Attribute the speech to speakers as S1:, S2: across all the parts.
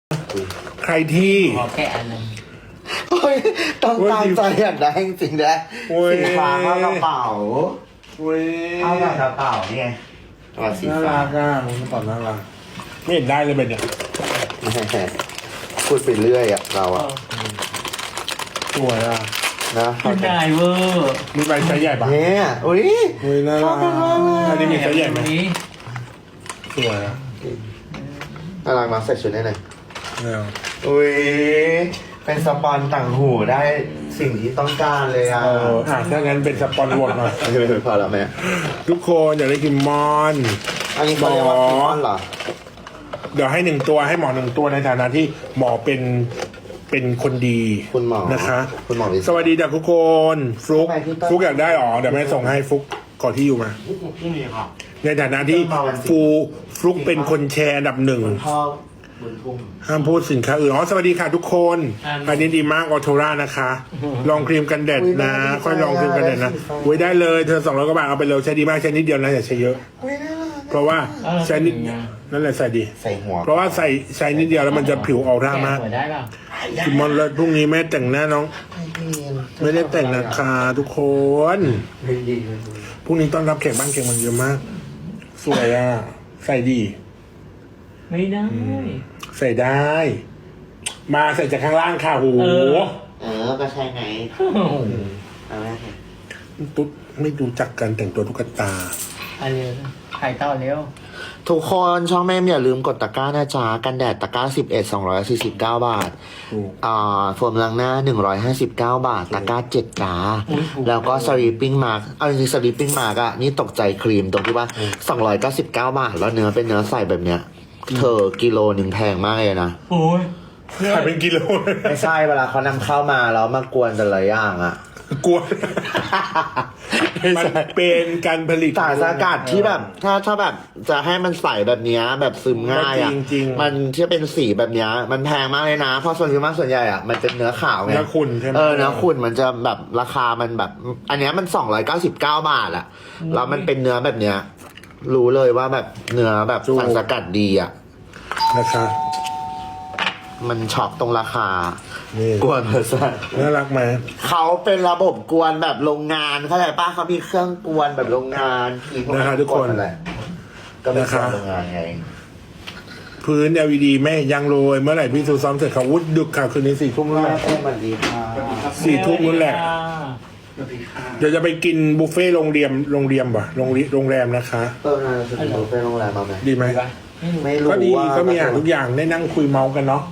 S1: ใครที่
S2: ขอแค่อันหนึง
S3: โอ้ยต้องตามใจอยากได้จริงๆนะ
S1: โอ้ย
S3: สีฟ้าเข้ากระเป๋า
S1: เว้ย
S3: เข้ากับกระเป๋านี่ไงตัวสี
S1: น่า
S3: ฟ้า
S1: รักอ่ะมันตอบน่ารักไม่เห็นได้เลยเป็นเนี่ย
S3: พูดไปเรื่อยอ่ะเราอ่ะ
S1: สวยอ่ะ
S3: นะ
S2: ไม่ได้เวอร์
S1: มีใบไซส์ใหญ่ปะ
S3: เนี่ยอุ้ย
S1: เฮ้ยน่ารักอันนี้มีไซส์ใหญ่ไหม
S2: นี้
S1: สวยอ่ะ
S3: น่ารักมาใส่ชุดได้เลย
S1: เนี่ย
S3: อุ้ยเป็นสปอนต่างหูได้สิ่งที่ต้องการเลยอ่ะ
S1: ถ้างั้นเป็นสปอนโหวตหน่อย
S3: ไม่พอแล้วแม่
S1: ทุกคนอยากได้กินมอน
S3: อันนี้เขาเรียกว่าคิมมอนเหรอ
S1: เดี๋ยวให้1 ตัวให้หมอ1 ตัวในฐานะที่หมอเป็นคนดี
S3: คุณหมอ
S1: นะคะ
S3: คุณหมอวิ
S1: สวัสดีจากทุกคนฟลุก
S3: ทำไมพี่ต้น
S1: ฟลุกอยากได้หรอเดี๋ยวแม่ส่งให้ฟลุกขอที่อยู่มา
S2: ที่มีค่ะ
S1: ในฐานะที่ฟลุกเป็นคนแชร์อันดับ 1
S3: พ่อบุญทุ่ม
S1: ห้ามพูดสินค้าอื่นสวัสดีค่ะทุกคนอันนี้ดีมากออโทรานะคะ ลองครีมกันแดดนะ ค่อยลองครีมกันแดดนะไว้ได้เลยเธอ200 กว่าบาทเอาไปเลยใช้ดีมากใช้นิดเดียวนะอย่าใช้เยอะ เพราะว่าใช้นิดนั่นแหละใส่ดี
S3: ใส่หัว
S1: เพราะว่าใช้นิดเดียวแล้วมันจะผิวออร่ามาก
S2: แกะหัวได้ป่ะ
S1: กินมอนเลยพรุ่งนี้แม่แต่งหน้าน้อง ไม่ได้แต่งนะคะทุกคนพรุ่งนี้ต้อนรับแขกบ้านแขกเมันเยอะมาก สวยอ่ะใส่ดี
S2: ไม่ได้
S1: ใส่ได้ มาใส่จากข้างล่างค่ะโห
S3: ก็ใช่ไง
S2: โอ้โห
S3: เอาไหม
S1: ตุ๊ดไม่รู้จักการแต่งตัวตุ๊กตา
S2: อันนี้ไข่ต่อเร็ว
S3: ทุกคนช่องแม่อย่าลืมกดตะกร้านะจ๊ะกันแดดตะกร้า11 249 บาท
S1: ถูก
S3: โฟมล้างหน้า159 บาทตะกร้า7จ้าแล้วก็สลีปปิ้งมาร์กเอาจริงๆสลีปปิ้งมาร์กอะนี่ตกใจครีมตรงที่ว่า299 บาทแล้วเนื้อเป็นเนื้อใสแบบเนี้ยเธอกิโลหนึ่งแพงมากเลยนะ
S2: โอ้ย
S1: ขายเป็นกิโล
S3: ไม่ใช่เวลาเขานำเข้ามาแล้วมากวนแต่ละอย่างอะ
S1: กลัวมันเป็นการผลิต
S3: สารสกัดที่แบบถ้าแบบจะให้มันใสแบบเนี้ยแบบซึมง่ายอ่ะ
S1: จริงๆ
S3: มันที่เป็นสีแบบเนี้ยมันแพงมากเลยนะเพราะส่วนใหญ่อ่ะมันเป็นเนื้อขาวไง
S1: เนื้อขุ่นใช่ไหม
S3: เนื้อขุ่นมันจะแบบราคามันแบบ อันเนี้ยมัน299 บาทอ่ะแล้วมันเป็นเนื้อแบบเนี้ยรู้เลยว่าแบบเนื้อแบบสารสกัดดีอ่ะ
S1: นะคะ
S3: มันช็อกตรงราคา
S1: นี่
S3: กวนเลยสัส
S1: น่ารักไหม
S3: เขาเป็นระบบกวนแบบโรงงานเข้าใจป้ะเขามีเครื่องกวนแบบโรงงานที่พว
S1: นะคะทุกคน
S3: แหละก็เป็นเครื่องโรงงานไง
S1: พื้น LED แม่ยังโรยเมื่อไหร่พี่ซูซ้อมเสร็จเขาวุดดึกค่ะคืนนี้4 ทุ่มนู่นแหละ
S3: สวัสดีค่ะ
S1: 4 ทุ่มนู่นแหละเดี๋ยวจะไปกินบุฟเฟ่ต์โรงแรมป่ะโรงแรมนะคะ
S3: น่าจะเป็นบุฟเฟ่ต์โรงแรมมาไหม
S1: ดีไหม
S3: ไม่รู้
S1: ก็ดี
S3: ว่า
S1: ก็มีอ่านทุกอย่างได้นั่งคุยเมาส์กันเนาะ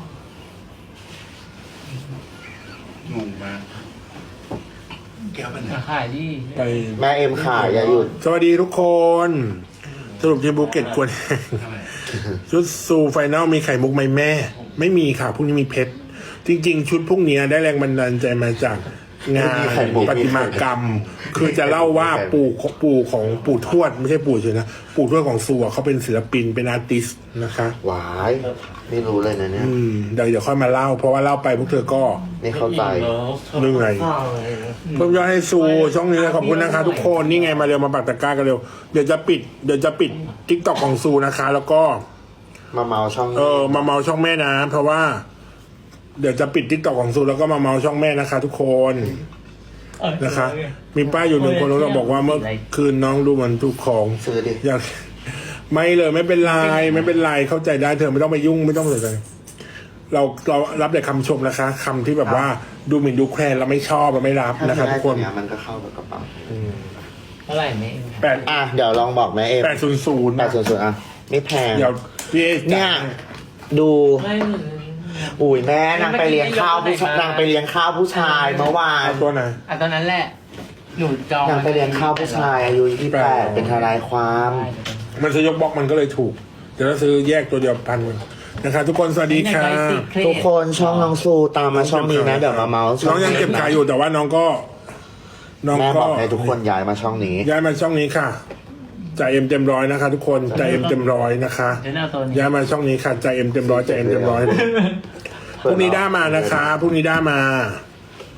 S4: งงมากแก้วมัน
S2: ขายดี
S1: ไป
S3: แม่เอ็มขายอย่าหยุด
S1: สวัสดีทุกคน สรุปที่ภูเก็ตควร ชุดซูไฟนอลมีไข่มุกไหมแม่ ไม่มีค่ะพรุ่งนี้มีเพชร จริง ๆ ชุดพรุ่งนี้ได้แรงบันดาลใจมาจากงานประติมากรรม คือจะเล่าว่าปู่ของปู่ทวดไม่ใช่ปู่เฉยนะปู่ทวดของซูอะเขาเป็นศิลปินเป็นอาร์ติสต์นะคะ
S3: หวายไม่รู้เลยนะเนี่ย
S1: เดี๋ยวค่อยมาเล่า เพราะว่าเล่าไปพวกเธอก็
S3: ไม่เข้าใจ
S1: เหนื่อย เพิ่มยอดให้ซูช่องนี้ขอบคุณนะคะทุกคนนี่ไงมาเร็วมาปักตะกร้ากันเร็วเดี๋ยวจะปิดทิกตอกของซูนะคะ แล้วก็
S3: มาเมาช่อง
S1: มาเมาช่องแม่นะเพราะว่า เดี๋ยวจะปิดทิกตอกของซูแล้วก็มาเมาช่องแม่นะคะ ทุกคนนะคะ มีป้าอยู่1 คนแล้วเราบอกว่าเมื่อคืนน้องดูเหมือนถูกของ
S3: ซื้อดิ
S1: อยากไม่เลยไม่เป็นไรเข้าใจได้เธอไม่ต้องไปยุ่งไม่ต้องสนใจเรารับแต่คำชมนะคะคำที่แบบว่าดูหมิ่นดูแคลนเราไม่ชอบเราไม่รับนะคะทุกคน
S3: ถ้ามันก็เข้ากับกระเป๋า
S2: เท่าไหร่แม่
S3: เดี๋ยวลองบอกแม่เอ็ม
S1: 800
S3: 800ไม่แพง
S1: เดี๋ยวพี่
S3: เนี่ยดู
S2: ไม่
S3: อุ้ยแม่นางไปเลี้ยงข้าวผู้ชายนางไปเลี้ยงข้าวผู้ชายเมื่อวาน
S1: เอาตัวไหน
S2: ตอนนั้นแหละ หนูจอง
S3: นางไปเลี้ยงข้าวผู้ชายอายุ28เป็นทนายความ
S1: มันจะยกบล็อกมันก็เลยถูกเดี๋ยวเราซื้อแยกตัวเดียว1,000นะคะทุกคนสวัสดีค่ะ
S3: ทุกคนช่องน้องซูตามมาช่องนี้นะเดี๋ยวมาเมาส์
S1: น้องยังเก็บขายอยู่แต่ว่าน้องก็
S3: แม่บอกให้ทุกคนย้ายมาช่องนี้
S1: ย้ายมาช่องนี้ค่ะจ่ายเอ็มเต็มร้อยนะคะ ทุกคนจ่ายเอ็มเต็มร้อยนะคะ
S2: เดี๋ยวเอาตัวนี้
S1: ย้ายมาช่องนี้ค่ะจ่ายเอ็มเต็มร้อยจ่ายเอ็มเต็มร้อยพรุ่งนี้ได้มานะคะพรุ่งนี้ได้มา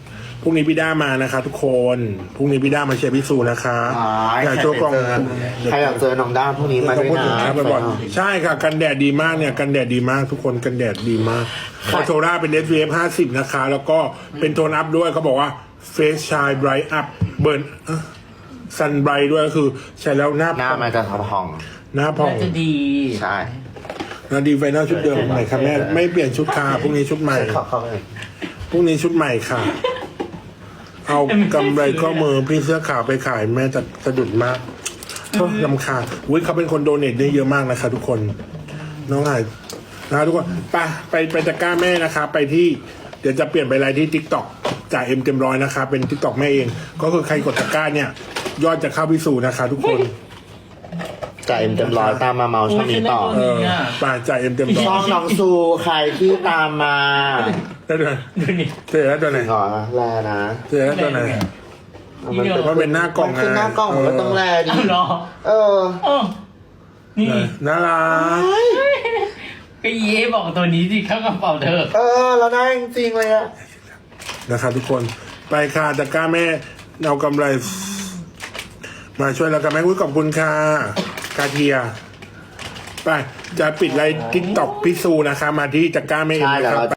S1: รุ่งนี้พี่ด้ามานะคะทุกคนพรุ่งนี้พี่ด้ามาเชียร์พี่ซูนะคะ อยากโชว์กล่อง
S3: ใครอยากเจอน้องด้าพรุ่งนี้มาด้วย
S1: พูดถึง
S3: นะ
S1: นะบ่อยๆใช่ค่ะกันแดดดีมากเนี่ยกันแดดดีมากทุกคนกันแดดดีมากคอโทราเป็น SPF 50 นะคะ แล้วก็เป็นโทนอัพด้วยเขาบอกว่า Face Shine Bright Up Burn Sun Bright ด้วยก็คือใช้แล้วหน้า
S3: หน้ามันจะทำพอง
S1: หน้าผ่อง
S2: น่าจะดี
S3: ใช่
S1: หน้าดีไฟนอลชุดเดิมใหม่ค่ะแม่ไม่เปลี่ยนชุดค่ะพรุ่งนี้ชุดใหม่
S3: เข้าไปเลย
S1: พรุ่งนี้ชุดใหม่ค่ะ เอากำไรข้อมือพี่เสื้อขาวไปขายแม่จะสะดุดมากโทษลำคาญอุ้ยเขาเป็นคนโดเนทได้เยอะมากนะคะทุกคน น้องหายนะทุกคนไปตะกร้าแม่นะคะ ไปที่เดี๋ยวจะเปลี่ยนไปไลน์ที่ทิกตอกจ่ายเอ็มเต็มร้อยนะคะ เป็นทิกตอกแม่เอง ก็คือใครกดตะกร้าเนี่ย ยอดจะเข้าพิสูจน์นะคะ ทุกคน
S3: จ่ายเอ็มเต็มร้อยตามมาเมาช่องนี้ต่อ
S1: เออป่าจ่ายเอ็มเต็มร้
S3: ช่
S1: อ
S3: อย งน้องซูใครที่ตามมา
S1: ได้ด้วย
S2: ดูนี่
S1: เจอแล้วตัวไหน
S3: หรอแลนะ
S1: เจอแล้วตัวไหน
S3: มันเป็น
S1: เพราะเป็นหน้ากล่อง
S3: มันคือหน้ากล่องมันก็ต้องแลดิ
S2: เอาเหรอ
S3: เออ
S2: เออนี่
S1: น่ารัก
S2: ก็เย่บอกตัวนี้สิเข้ากระเป๋าเธอ
S3: เออเราได้จริงๆเลยอะ
S1: นะครับทุกคนไปค่ะตะกร้าแม่เอากำไร มาช่วยเรากันแม่อุ้ยขอบคุณค่ะกาเทียไปจะปิดไลน์ทิกตอกพิซูนะคะ มาที่ตะกร้าแม่เอง
S3: ใช่
S1: นะ
S3: เดี๋ยว
S1: ครับ
S3: เรา